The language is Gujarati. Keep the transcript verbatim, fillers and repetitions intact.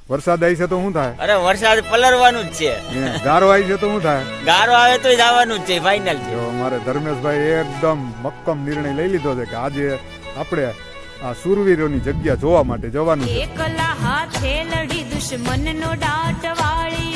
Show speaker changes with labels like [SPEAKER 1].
[SPEAKER 1] વરસાદ આવી છે તો શું થાય?
[SPEAKER 2] અરે વરસાદ પલરવાનું જ છે.
[SPEAKER 1] ગારો આવી છે તો શું થાય?
[SPEAKER 2] ગારો આવે તો જવાનું જ છે, ફાઇનલ છે.
[SPEAKER 1] જો અમારે ધર્મેશભાઈ એકદમ મક્કમ નિર્ણય લઈ લીધો છે કે આજે આપણે આ સુરવીરોની જગ્યા જોવા માટે જવાનું છે.
[SPEAKER 3] એકલા હાથે લડી દુશ્મનનો દાટ વાળી